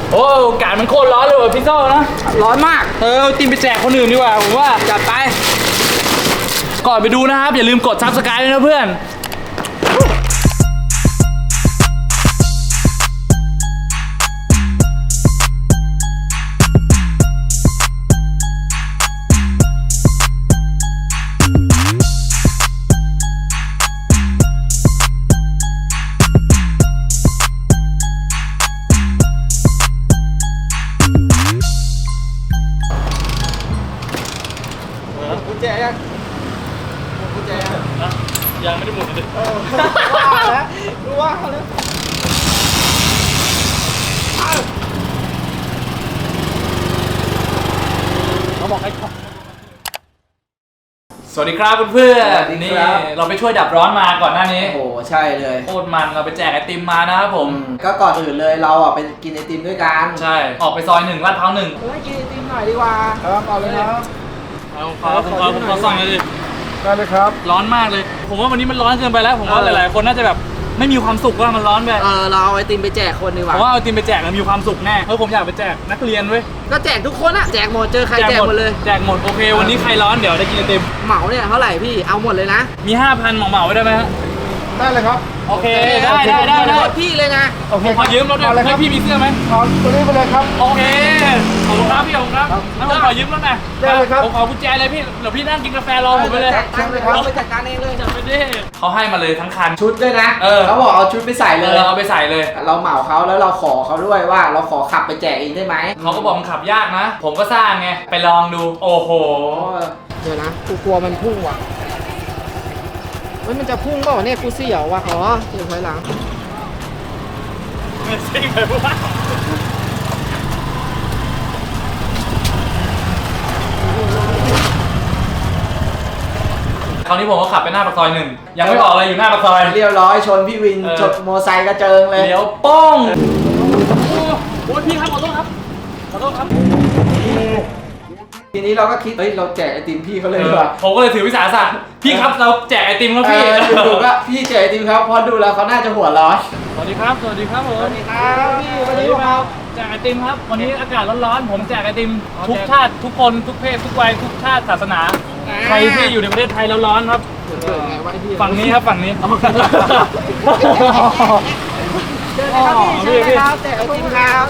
โอ้อากาศมันโคตรร้อนเลยว่ะพี่โซ่นะร้อนมากเอาติมไปแจกคนอื่นดีกว่าผมว่าจัดไปก่อนไปดูนะครับอย่าลืมกด Subscribe ด้วยนะเพื่อนกุญแจยังกุญแจยังไม่ได้หมดเลยว่าแล้วรู้ว่าแล้วเขาบอกให้สวัสดีครับเพื่อนๆนี่เราไปช่วยดับร้อนมาก่อนหน้านี้โอ้โหใช่เลยโคตรมันเราไปแจกไอติมมานะครับผมก็ก่อนอื่นเลยเราอ่ะไปกินไอติมด้วยกันใช่ออกไปซอย1 ลาดพร้าว 1 กินไอติมหน่อยดีกว่าครับเอาเลยครับผมขอสั่งเลยดิได้เลยครับร้อนมากเลยผมว่าวันนี้มันร้อนเกินไปแล้วผมว่าหลายๆคนน่าจะแบบไม่มีความสุขว่ามันร้อนไปเราเอาไอติมไปแจกคนดีกว่าผมว่าเอาไอติมไปแจกมันมีความสุขแน่ผมอยากไปแจกนักเรียนเว้ยก็แจกทุกคนอะแจกหมดเจอใครแจกหมดเลยแจกหมดโอเควันนี้ใครร้อนเดี๋ยวได้กินไอติมเหมาเนี่ยเท่าไหร่พี่เอาหมดเลยนะมี 5,000 เหมาไว้ได้ไหมฮะได้เลยครับโอเคได้พี่เลยนะโอเคขอยืมรถหน่อยให้พี่มีเสื้อไหมขอตัวนี้ไปเลยครับโอเคขอบคุณครับพี่ขอบคุณครับงั้นผมขอยืมรถหน่อยได้เลยครับผมขอกุญแจเลยพี่เดี๋ยวพี่นั่งกินกาแฟรอผมไปเลยเราไปจัดการเองเลยจัดไปดิเขาให้มาเลยทั้งคันชุดด้วยนะเขาบอกเอาชุดไปใส่เลยเอาไปใส่เลยเราเหมาเขาแล้วเราขอเขาด้วยว่าเราขอขับไปแจกเองได้ไหมเขาก็บอกมันขับยากนะผมก็สร้างไงไปลองดูโอ้โหเดี๋ยวนะกูกลัวมันพุ่งว่ะมันจะพุ่งเปล่าเนี่ยกูเสี่ยวว่ะอ๋อเสี่ยวถอยหลังมันซิ่งเลยว่าคราวนี้ผมก็ขับไปหน้าปากซอย1ยังไม่ออกเลยอยู่หน้าปากซอยเรียบร้อยชนพี่วินชนมอไซค์กระเจิงเลยเดี๋ยวป้องโอ้ยพี่ครับขอโทษครับขอโทษครับทีนี้เราก็คิดเราแจกไอติมพี่เขาเลยดีกว่าผมก็เลยถือวิสาสะพี่ครับเราแจกไอติมครับพี่ดูก็พี่แจกไอติมครับพอดูแล้วเขาน่าจะหัวร้อนสวัสดีครับสวัสดีครับผมสวัสดีครับพี่วันนี้เราแจกไอติมครับวันนี้อากาศร้อนๆผมแจกไอติมทุกชาติทุกคนทุกเพศทุกวัยทุกชาติศาสนาใครที่อยู่ในประเทศไทยร้อนๆครับฝั่งนี้ครับฝั่งนี้เจอกันครับพี่เจอกันครับแจกไอติมครับ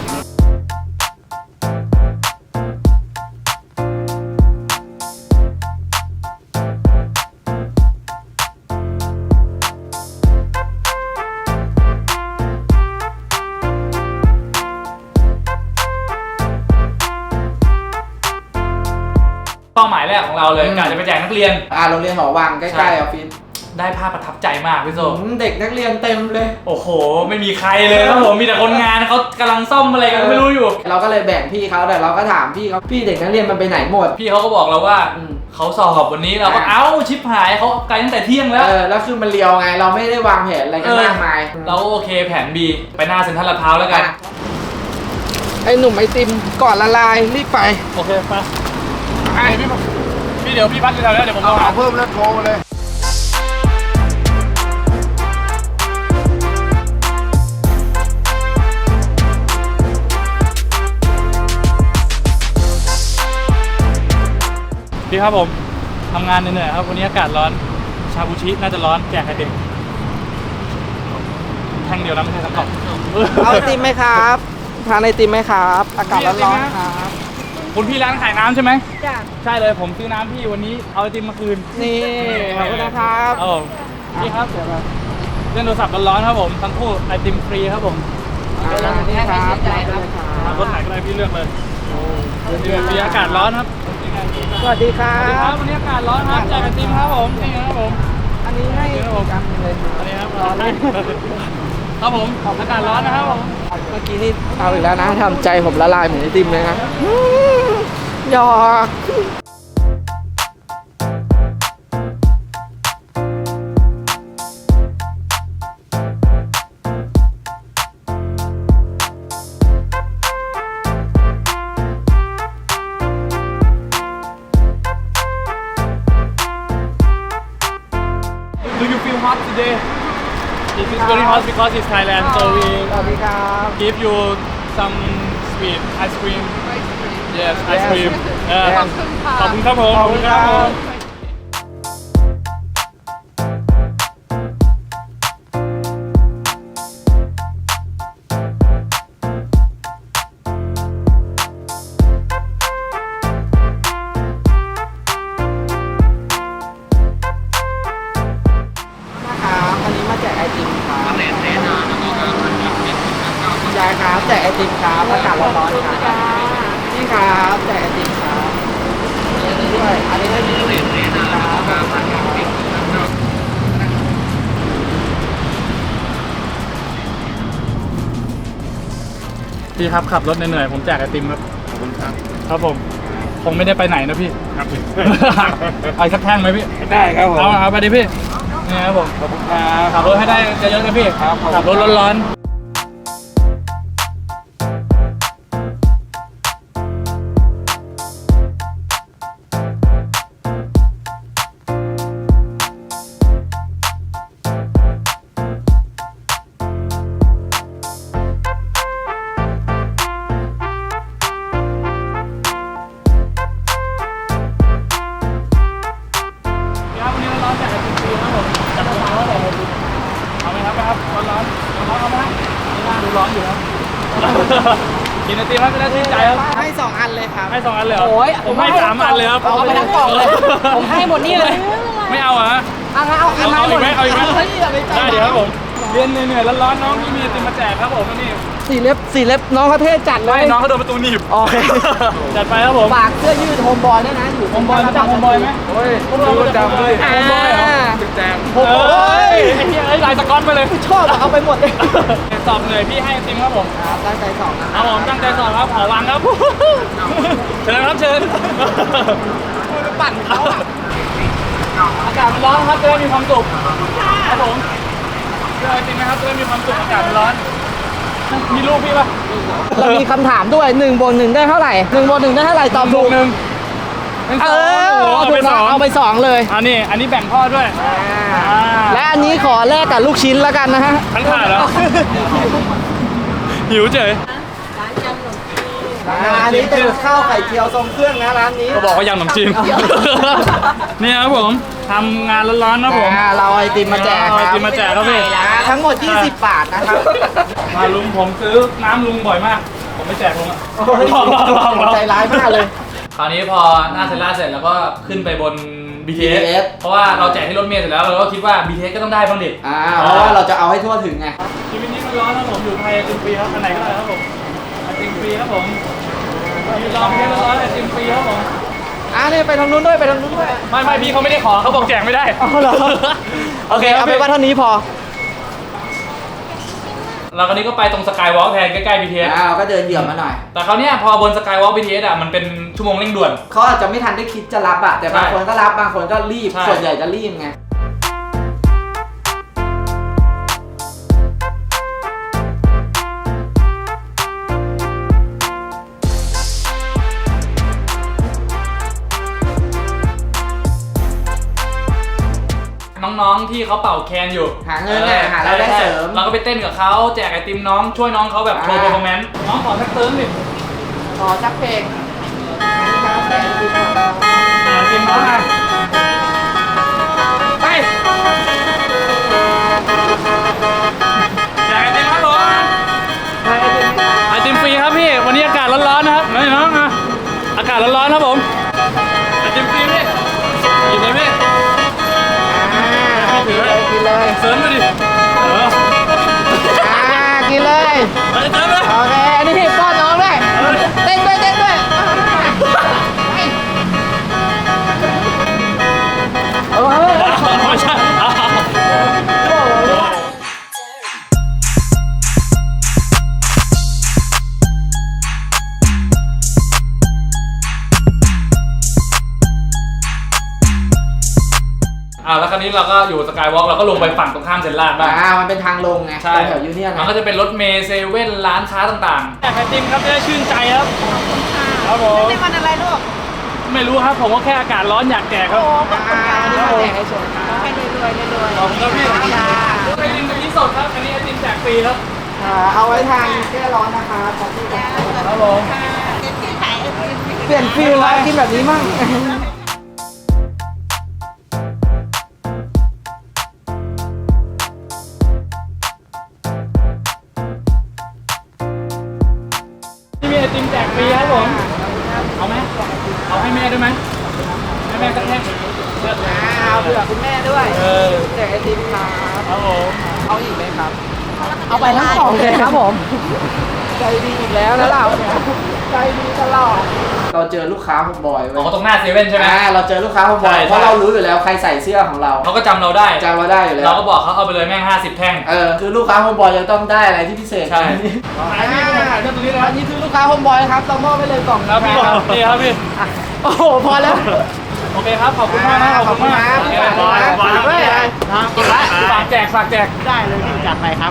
เป้าหมายแรกของเราเลยการจะไปแจกนักเรียนโรงเรียนหอวังใกล้ๆออฟฟิศได้ภาพประทับใจมากพี่โซเด็กนักเรียนเต็มเลยโอ้โหไม่มีใครเลยครับผมมีแต่คนงานเขากำลังซ่อมอะไรกันไม่รู้อยู่เราก็เลยแบ่งพี่เขาแต่เราก็ถามพี่เขาพี่เด็กนักเรียนมันไปไหนหมดพี่เขาก็บอกเราว่าเขาสอบวันนี้เราก็เอ้าชิปหายเขาไกลตั้งแต่เที่ยงแล้วแล้วคือมันเลียวไงเราไม่ได้วางแผนอะไรกันมากมายเราโอเคแผน B ไปหน้าเซ็นทรัลลาดพร้าวแล้วกันไอ้หนุ่มไอติมก่อนละลายรีบไปโอเคไปพี่เดี๋ยวพี่พักอยู่แถวนี้เดี๋ยวผมเอาเพิ่มแล้วโทรเลยพี่ครับผมทำงานเหนื่อยครับวันนี้อากาศร้อนชาบูชิน่าจะร้อนแจกไอติมแท่งเดียวนะไม่ใช่ทั้งกล่องเอาไอติมไหมครับทานไอติมไหมครับอากาศร้อนครับคุณพี่ร้านขายน้ำใช่ไหมจ้ะใช่เลยผมซื้อน้ำพี่วันนี้เอาไอติมมาคืนนี่ขอบคุณนะครับพี่ครับเล่นโทรศัพท์ร้อนๆครับผมทั้งคู่ไอติมฟรีครับผมนี่ครับรถไหนก็ได้พี่เลือกเลยมีอากาศร้อนครับสวัสดีครับวันนี้อากาศร้อนครับแจกไอติมครับผมนี่ครับผมอันนี้ให้ผมเลยอันนี้ครับร้อนครับผมอากาศร้อนนะครับผมเมื่อกี้นี่เอาอีกแล้วนะทำใจผมละลายเหมือนไอติมเลยนะหยอก hot today. It is very hot because it's Thailand, so we give you some sweet ice cream yes ice cream ขอบคุณครับผมขอบคุณครับผมนะครับอันนี้มาแจกไอติมครับยายครับแจกไอติมครับอากาศร้อนๆครับนี่ครับแจกไอติมครับอันนี้ด้วยอันนี้ได้ดีครับพี่ครับขับรถเหนื่อยๆผมแจกไอติมครับขอบคุณครับครับผมคงไม่ได้ไปไหนนะพี่ครับเอาอีกสักแท่งไหมพี่ได้ครับผมเอาไปดิพี่นี่ครับผมขอบคุณครับขับรถให้ได้เยอะๆนะพี่ครับผมขับรถร้อนๆครับวันนี้ร้อนๆแจกไอติมฟรีครับผมจัดมาแล้วเลยเอาไหมครับไปครับร้อนๆเอาไหมครับนี่น่าดูร้อนอยู่ครับ กินไอติมแล้วจะได้ชื่นใจครับให้2 อันเลยครับให้2 อันเลยเหรอโอ้ยผมให้3 อันเลยครับเอาไปทั้งกล่องเลยผมให้หมดนี่เลยไม่เอาเหรอฮะเอางั้นเอาอันเอาอีกไหมเอาอีกไหมฮ้ยอย่าไปใจได้เดี๋ยวครับผมเรียนเหนื่อยๆร้อนๆน้องที่มีไอติมมาแจกครับผมนี่สีเล็บน้องเขาเท่จัดเลให้ยน้องเขาโดนประตูหนีบโอเคจัดไปครับผมฝากเสื้อยืดโฮมบอยด้วยนะอยู่โฮมบอยรู้จักโฮมบอยไหมโอ้ยพวกเรารู้จักเลยอ่าโฮมบอยเหรอตึกแจมโอ้โหไอ้เหี้ยไอ้ลายสก๊อตไปเลยชอบอะเอาไปหมดเลยสอบเหนื่อยพี่ให้ไอติมครับผมครับตั้งใจสองนะครับผมตั้งใจสอบครับขอวางครับเชิญครับเชิญไปปั่นเขาอะอากาศมันร้อนครับจะได้มีความสุขครับผมเจอไอติมไหมครับจะได้มีความสุขอากาศมันร้อนมีรูปพี่ป่ะเรามีคำถามด้วย1 บวก 1ได้เท่าไหร่1 บวก 1ได้เท่าไหร่ตอบถูกหนึ่งเป็นสเอองอโอ้โหเอาไปสองเอาไป2เลยอันนี้แบ่งพ่อด้วยและอันนี้ขอแลกกับลูกชิ้นแล้วกันนะฮะทั้งถาดแล้วหิวเฉยอันนี้เป็นข้าวไข่เจียวทรงเครื่องนะร้านนี้ก็บอกว่ายำขนมจีนนี่ครับผมทำงานร้อนๆนะผมเราเอาไอติมมาแจกเอาไอติมมาแจกครับพี่ทั้งหมด20 บาทนะครับมาลุงผมซื้อน้ำลุงบ่อยมาก ผมไม่แจกลุงอะใจร้ายมากเลยคราวนี้พอหน้าเซนล่าเสร็จแล้วก็ขึ้นไปบน BTS BTS เพราะว่าเราแจกให้รถเมล์เสร็จแล้วเราก็คิดว่า BTS ก็ต้องได้บ้างดิเพราะว่าเราจะเอาให้ทั่วถึงไงชีวิตนี้มันร้อนนะผมอยู่ไทยไอติมฟรีครับอันไหนก็ได้ครับผมไอติมฟรีครับผมมีรอเพียงร้อนไอติมฟรีครับผมนี่ไปทางนู้นด้วยไปทางนู้นด้วยไม่พี่เขาไม่ได้ขอเขาบอกแจกไม่ได้เอาเหรอ โอเคเอาไปว่าเท่านี้พอเราคราวนี้ก็ไปตรงสกายวอล์กแทนใกล้ๆ BTS ก็เดินเหยียบมาหน่อยแต่คราวเนี้ยพอบนสกายวอล์ก BTS อ่ะมันเป็นชั่วโมงเร่งด่วนเขาอาจจะไม่ทันได้คิดจะรับอะแต่บางคนก็รับบางคนก็รีบใช่ส่วนใหญ่จะรีบไงน้องๆที่เขาเป่าแคนอยู่หาเงินหารายได้เสริมเราก็ไปเต้นกับเขาแจกไอติมน้องช่วยน้องเขาแบบโชว์อ่าเปอร์ฟอร์แมนซ์น้องขอสักเติมดิขอจักเพลงครับแต่ดีกว่าไอติมน้องอ่ะไปแจกไอติมครับผมไอติมฟรีครับพี่วันนี้อากาศร้อนๆนะครับนี่น้องอ่ะอากาศร้อนๆครับผมไอติมฟรีพี่หยิบเลยพี่กินเลยกินเลยเสริมไปดิเออกินเลยไปเติมเลยโอเคอันนี้ป้อนน้องด้วยเต้นด้วยเต้นด้วยเอาเฮ้ยไม่ใช่ แล้วคราวนี้เราก็อยู่สกายวอล์กเราก็ลงไปฝั่งตรงข้ามเซ็นทรัลบ้างมันเป็นทางลงไงใช่แถวยูเนียนมันก็จะเป็นรถเมล์เซเว่นร้านค้าต่างๆแจกไอติมครับจะได้ชื่นใจครับครับผมในวันอะไรลูกไม่รู้ครับผมก็แค่อากาศร้อนอยากแจกครับอันนี้มาแจกให้ชมให้รวยๆรวยขอบคุณครับพี่ๆจ้าไอติมกะทิสดครับอันนี้ไอติมแจกฟรีครับเอาไว้ทานแก้ร้อนนะคะขอบคุณครับครับผมเปลี่ยนฟิลแล้วกินแบบนี้มั่งที่มีไอติมแจกฟรีครับผมเอาไหมเอาให้แม่ด้วยไหมให้แม่สักแท่งเลือกเลยเอาเผื่อคุณแม่ด้วยอแจกไอติมครับครับผมเอาอีกไหมครับ เอาไปทั้งกล่องเลยครับผม ใจดีอีกแล้วนะเราเนี่ยใจดีตลอด เราเจอลูกค้าผมบ่อยเว้อ๋อย ตรงหน้าเซเว่นใช่ไหมเราเจอลูกค้าผมบ่อยใช่เพราะเรารู้อยู่แล้วใครใส่เสื้อของเราเขาก็จำเราได้จำเราได้อยู่แล้วเราก็บอกเขาเอาไปเลยแม่ง50 แท่งคือลูกค้าโฮมบอยจะต้องได้อะไรที่พิเศษใช่อันนี้เรื่องตรงนี้นะอันนี้คือลูกค้าโฮมบอยครับเรามอบไปเลยกล่องครับพี่นี่ครับพี่โอ้โหพอแล้วโอเคครับขอบคุณมากนะขอบคุณมากขอบคุณมากฝากด้วยฝากแจกได้เลยพี่จัดไปครับ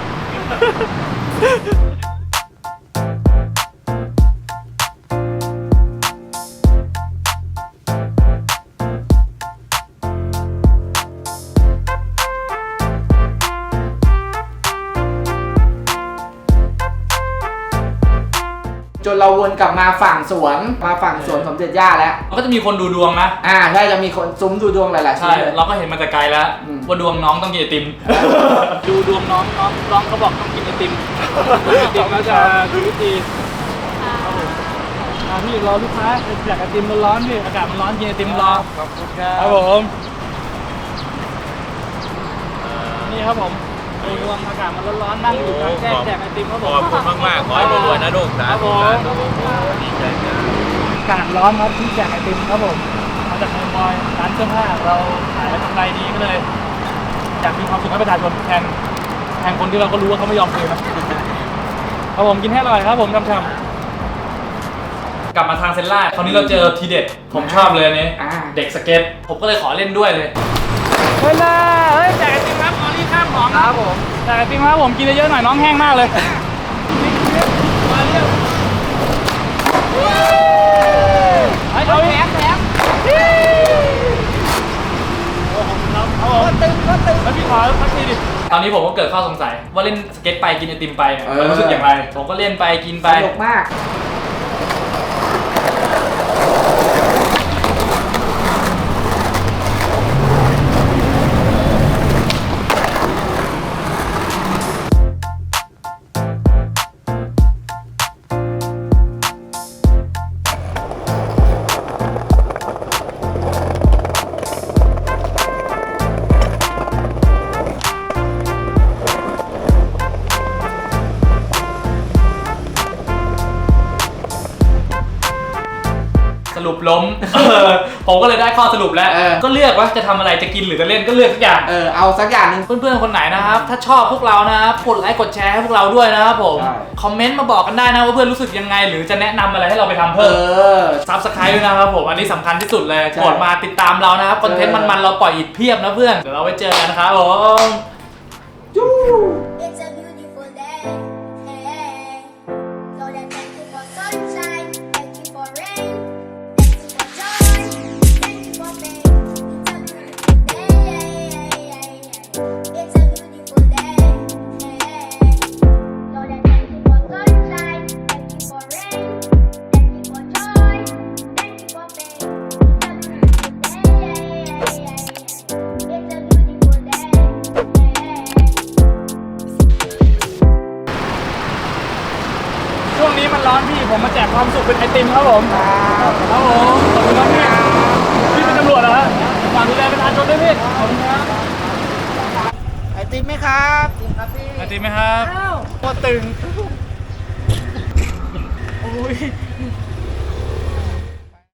จนเราวนกลับมาฝั่งสวนสมเด็จย่าแล้วก็จะมีคนดูดวงนะใช่จะมีคนซุ้มดูดวงหลายๆชิ้ใช่นเลยเราก็เห็นมาแต่ไกลแล้ว ว่าดวงน้องต้องกินไอติม ดูดวงน้องเขาบอกต้องกินไอติมไอติมแล้วจะชีวิตดีพี่รอลูกค้าอยากไอติมร้อนๆพี่อากาศมันร้อนกินไอติมรอครับผมนี่ครับผมดูดวงอากาศมันร้อนๆนั่งอยู่กลางแจ้งแจกไอติมครับผมขอบคุณมากๆขอให้รวยๆนะลูกสาธุสาธุดีใจจ้าอากาศร้อนครับที่แจกไอติมครับผมมาจากเมืองบอยร้านเสื้อผ้าเราขายแล้วกำไรดีก็เลยอยากมีความสุขให้ประชาชนแทนคนที่เราก็รู้ว่าเขาไม่ยอมคืนครับผมกินให้อร่อยครับผมช่ำๆกลับมาทางเซนล่าคราวนี้เราเจอทีเด็ดผมชอบเลยอันนี้เด็กสเก็ตผมก็เลยขอเล่นด้วยเลยเฮ้ยแจกไอติมครับออรี่ข้ามของครับผมแจกไอติมครับผมกินเยอะๆหน่อยน้องแห้งมากเลยมาเรียกเอาแถมก็ตึงแล้วพี่ขอสักทีดิตอนนี้ผมก็เกิดข้อสงสัยว่าเล่นสเก็ตไปกินไอติมไปเนี่ยมันรู้สึกอย่างไรผมก็เล่นไปกินไปสนุกมากสรุปล้ม ผมก็เลยได้ข้อสรุปแล้ว ก็เลือกว่าจะทำอะไรจะกินหรือจะเล่นก็เลือกทุกอย่างเอาสักอย่างหนึงเพื่อนๆคนไหนนะครับถ้าชอบพวกเรานะครับกดไลค์กดแชร์ให้พวกเราด้วยนะครับผมใช่คอมเมนต์มาบอกกันได้นะว่าเพื่อนรู้สึกยังไงหรือจะแนะนำอะไรให้เราไปทำเพิ่มซับสไครต์ด้วยนะครับผมอันนี้สำคัญที่สุดเลยใช่กดมาติดตามเรานะครับคอนเทนต์มันๆเราปล่อยอีกเพียบนะเพื่อนเดี๋ยวเราไว้เจอกันนะครับผม It's a beautiful day. Hey. So then thank you for sunshine, thank you for rain, thank you for joy, thank you for pain. It's a beautiful day. Hey. So then thank you for sunshine, thank you for rain, thank you for joy, thank you for pain. It's a beautiful day. Hey. ช่วงนี้มันร้อนพี่ผมมาแจกความสุขเป็นไอติมครับผมครับผมขอบคุณครับพี่เป็นตำรวจเหรอฮะฝากดูแลประชาชนด้วยพี่ขอบคุณครับไอติมไหมครับครับพี่ไอติมไหมครับโคตรตึงโอ้ย